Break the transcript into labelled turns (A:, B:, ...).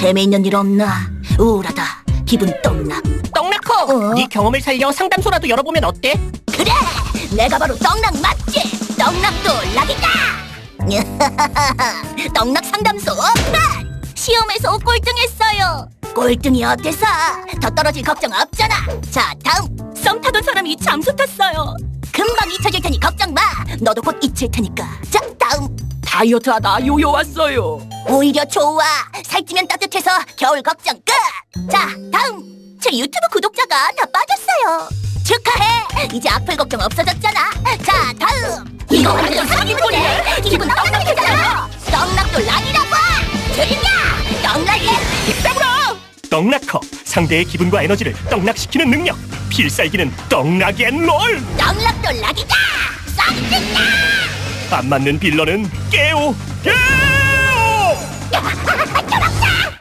A: 재미있는 일 없나? 우울하다. 기분 떡락.
B: 떡락커! 네 경험을 살려 상담소라도 열어보면 어때?
A: 그래! 내가 바로 떡락 맞지? 떡락도 락이다! 떡락 상담소 오픈! 시험에서 꼴등했어요. 꼴등이 어때서? 더 떨어질 걱정 없잖아. 자, 다음. 썸 타던 사람이 잠수 탔어요. 금방 잊혀질 테니 걱정 마. 너도 곧 잊힐 테니까. 자, 다음.
B: 다이어트하다 요요 왔어요.
A: 오히려 좋아. 살찌면 따뜻해서 겨울 걱정 끝. 자, 다음. 제 유튜브 구독자가 다 빠졌어요. 축하해. 이제 악플 걱정 없어졌잖아. 자, 다음. 이거 완전 사기꾼이네. 기분 떡락이 되잖아. 떡락도 락이라고. 들리냐? 떡락이
B: 빼불어! 떡락커! 상대의 기분과 에너지를 떡락시키는 능력. 필살기는 떡락앤롤.
A: 떡락도 락이다. 썩든다.
B: 안 맞는 빌런은 깨오. 깨오!